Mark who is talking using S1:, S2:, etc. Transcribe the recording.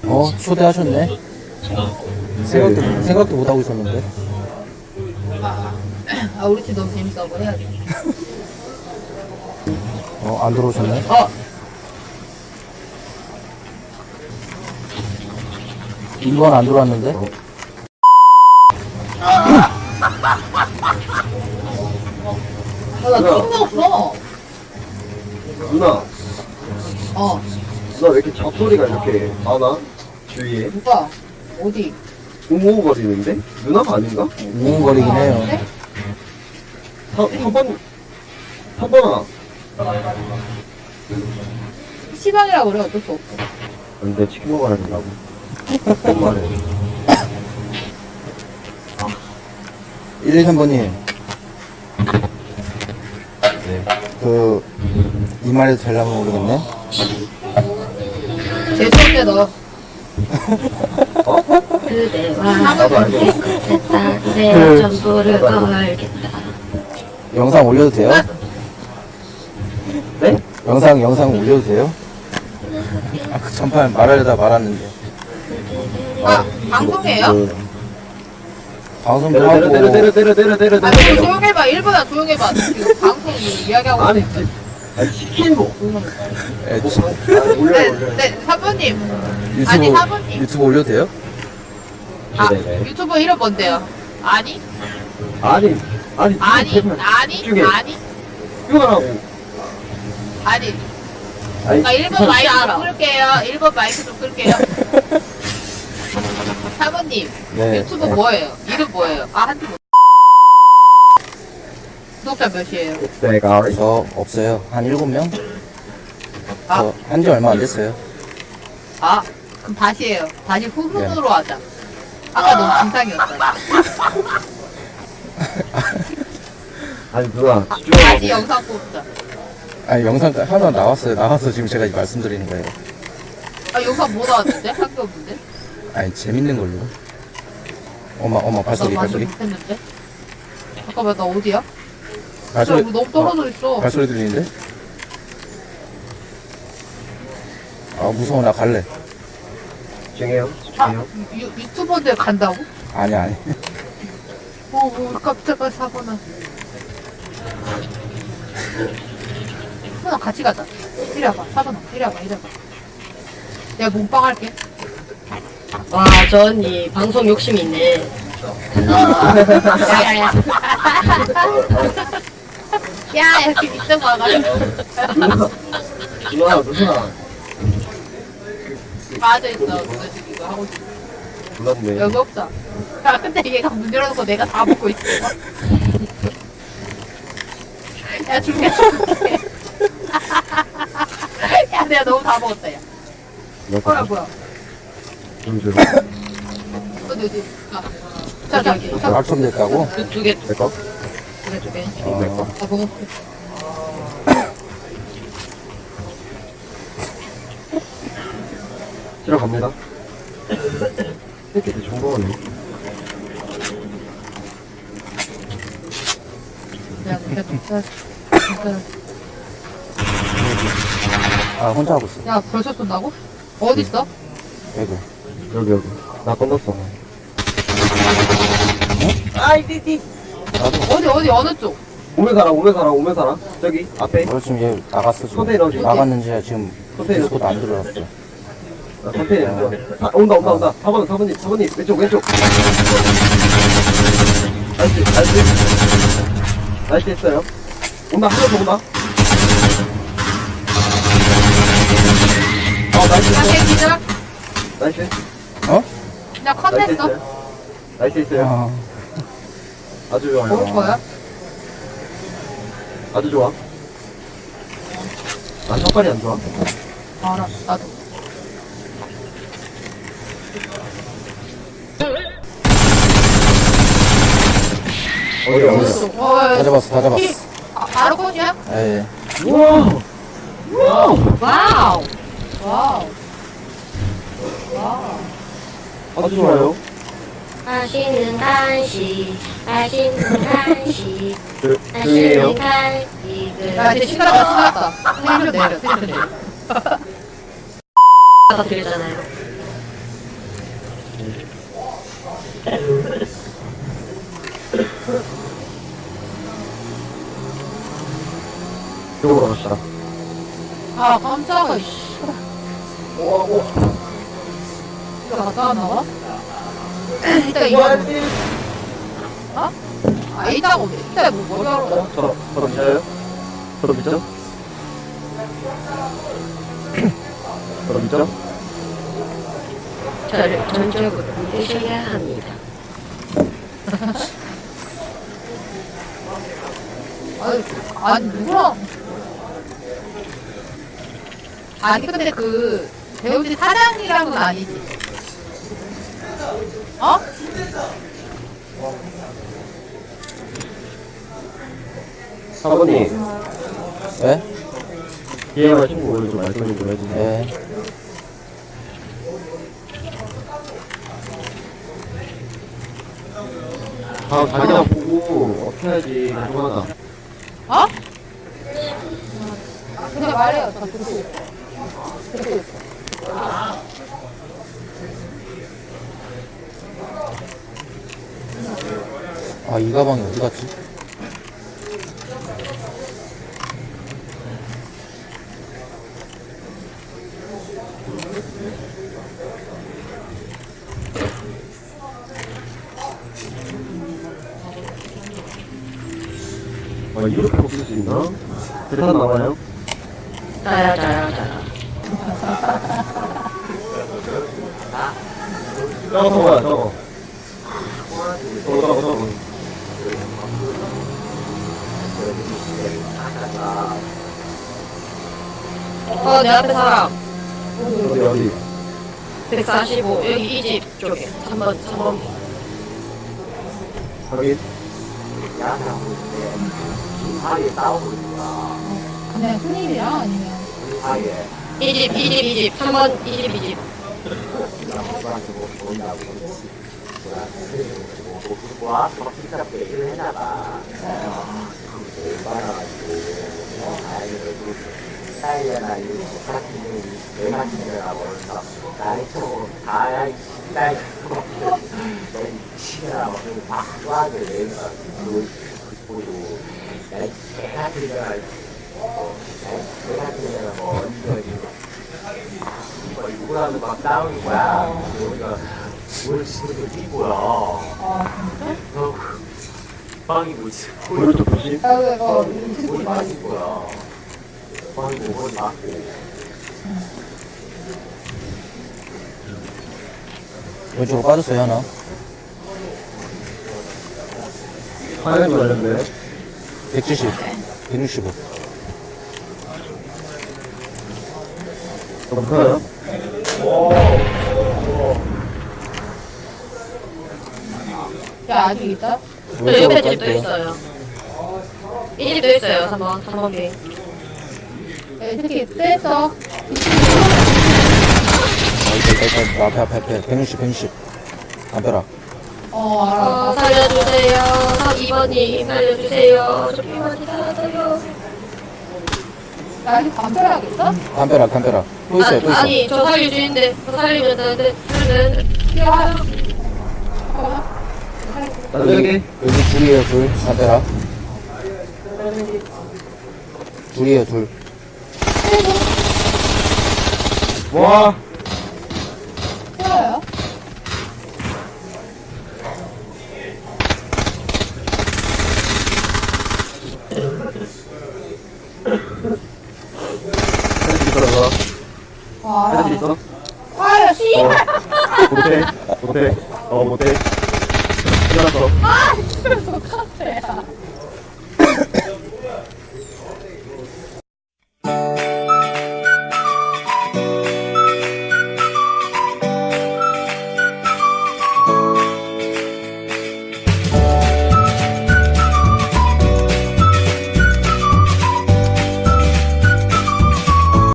S1: 초대하셨네. 생각도 못하고 있었는데.
S2: 우리 팀 너무 재밌어. 뭐 해야 돼?
S1: 안 들어오셨네. 이건 안 들어왔는데.
S2: 나 팀도 없어.
S3: 누나,
S2: 어,
S3: 누나 왜 이렇게 잡소리가 이렇게 많아? 주위에
S2: 누가? 어디?
S3: 웅웅거리는데? 누나가 아닌가?
S1: 웅웅거리긴 해요.
S3: 3번아.
S2: 시방이라고 그래. 어쩔 수 없어.
S3: 근데 치킨 먹어야 된다고. 말해.
S1: 113번님.
S3: 네.
S1: 이 말해도 되려면 모르겠네.
S2: 재수없네 너.
S4: 그대와
S3: 나도 알고 있어.
S4: 했다 내 전부를 걸겠다.
S1: 영상 올려도 돼요?
S3: 네?
S1: 영상 올려도 돼요? 그 전판 말하려다 말았는데.
S2: 방송이에요?
S1: 방송도
S3: 때려
S1: 하고.
S3: 때려.
S2: 조용해봐. 1분아 조용해봐. 지금 방송 이야기하고
S3: 아니,
S2: 있어.
S3: 치킨 뭐. 올려.
S2: 네, 사부님. 아니, 사부님.
S1: 유튜브 올려도 돼요?
S3: 네네.
S2: 유튜브 이름 뭔데요? 아니?
S3: 아니,
S2: 아니?
S3: 이거라고.
S2: 아니.
S3: 아니,
S2: 나 1번 마이크 좀 끌게요. 1번 마이크 좀 끌게요. 사부님.
S1: 네.
S2: 유튜브 뭐예요? 이름 뭐예요? 한두 분. 구독자 몇이에요?
S3: 내가
S1: 저 없어요. 한 7명?
S2: 아.
S1: 저 한지 얼마 안 됐어요.
S2: 그럼 다시 해요. 다시 후훈으로 하자. 아까 너무 진상이었다.
S3: 아니 누나
S2: 다시
S3: 집중하고.
S2: 영상 뽑자.
S1: 아니, 영상 하나 나왔어요. 나와서 지금 제가 말씀드리는 거예요.
S2: 영상 뭐 나왔는데? 한 게 없는데?
S1: 아니, 재밌는 걸로. 어마, 발소리.
S2: 나 완전 못했는데? 잠깐만, 나 어디야?
S1: 발소리,
S2: 우리 너무 떨어져 있어.
S1: 발소리 들리는데? 무서워. 나 갈래.
S3: 집중해요.
S2: 유튜버인데 간다고?
S1: 아니.
S2: 깜짝아, 사고나. 사고나 같이 가자. 이리 와봐, 사고나. 이리 와봐. 내가 몸빵 할게.
S4: 와, 저 언니 방송 욕심이 있네.
S2: 야야야. 야, 이렇게 밑에 와가지고.
S3: 누나
S2: 빠져있어. 누가 지금 이거 하고 있어.
S3: 몰랐네.
S2: 여기 없다. 야, 근데 얘가 문 열어놓고 내가 다 먹고 있어. 야, 줄게. 야, 내가 너무 다 먹었다, 야. 뭐야.
S3: 좀 줘.
S2: 어디. 자.
S1: 낙첨됐다고?
S4: 두 개,
S3: 내 거?
S2: 두 개.
S3: 내 거?
S2: 다 먹었어.
S3: 들어갑니다. 이렇게 정보원이.
S2: 야, 진짜.
S1: 혼자 하고 있어.
S2: 야, 벌써 쏜다고? 어딨어?
S1: 배그.
S3: 여기. 나 건넜어.
S2: 어디, 어느 쪽?
S3: 오메 사람. 저기, 앞에.
S1: 지금 얘 나갔어, 지금.
S3: 컨테이너 어디?
S1: 나갔는지 지금
S3: 컨테이너.
S1: 디스코드 안 들어왔어.
S3: 컨테이너. 온다. 4번님. 왼쪽. 나이스 했어요. 온다, 한 명 더 온다. 나이스
S2: 야,
S3: 했어.
S2: 걔 기절.
S3: 나이스.
S2: 나 컷냈어.
S3: 나이스 했어요. 아주 좋아요.
S2: 먹을 거야?
S3: 아주 좋아. 난 첫발이 안 좋아.
S2: 알아, 나도.
S3: 어디?
S1: 다 잡았어.
S2: 바로 컷이야?
S1: 예.
S3: 우와!
S2: 와우.
S3: 아주 좋아요.
S4: 맛있는 간식, 맛있는 간식,
S3: 조용해요.
S4: 맛있는 간식을
S2: 야, 이제 신났다. 텐션 내려.
S4: 받아드렸잖아요.
S3: 이쪽으로 갑시다.
S2: 아, 깜짝아, 씨.
S3: 오.
S2: 이거 갔다 왔나 봐? 이따 이거. 어? 아, 이따가, 이따 뭐, 머리 하러 가.
S3: 저로 믿어요? 저로 믿죠? 저로 믿죠?
S4: 저를 전적으로 믿으셔야 합니다.
S2: 아니, 누구랑. 아니, 근데 그, 배우지 사장이랑은 아니지. 어?
S3: 사모님,
S1: 네?
S3: 기회가 친구 오늘 좀 말씀 좀 해주세요.
S1: 네.
S3: 아, 자기랑 보고 어떻게 해야지 궁금하다.
S2: 어? 그냥 말해요. 저 듣고 있어. 듣고 있어.
S1: 아, 이 가방이 어디 갔지?
S3: 이렇게 먹을 수 있나? 대탄 나와요?
S4: 자야.
S3: 저거 뭐야, 저거. 저거.
S4: 내 앞에 사람.
S3: 어디?
S4: 145. 여기 이 집 쪽에. 3번.
S3: 확인.
S2: 그냥 손님이랑 아니면.
S4: 이 집. 3번, 이 집.
S5: 누구라도 막 싸우는 거야. 우리가 뭘 지금 뛰고요.
S2: 아, 진짜?
S5: 빵이 뭐지?
S3: 오른쪽 조심.
S5: 뭘 맞은 거야. 빵이 뭐 맞고.
S1: 왼쪽으로 빠졌어요, 하나.
S3: 화면이 걸렸네.
S1: 170, 165.
S3: 너무 커요?
S2: 야, 아직 있다?
S4: 저 옆에 집도 있어요. 이 집도 있어요. 3번 빙.
S2: 야, 이 새끼 뺐어.
S1: 앞에. 160. 담벼락.
S2: 알아.
S4: 살려주세요. 2번님 살려주세요. 저 피만이 살았어요.
S2: 야, 아직 담벼락 있어?
S1: 담벼락. 또 있어요.
S4: 아니 저 살릴 수 있는데 저 살리면 되는데
S2: 야.
S3: 나도 여기.
S1: 여기 둘이에요, 둘. 담벼락. 둘이에요, 둘.
S3: 와.
S2: 싫어요?
S3: 헤드지 있어,
S2: 와,
S3: 헤드지
S2: 알아.
S3: 있어?
S2: 아, 야, 씨발!
S3: 못해. 못해. 끝났어.
S2: 아, 이거 똑같아.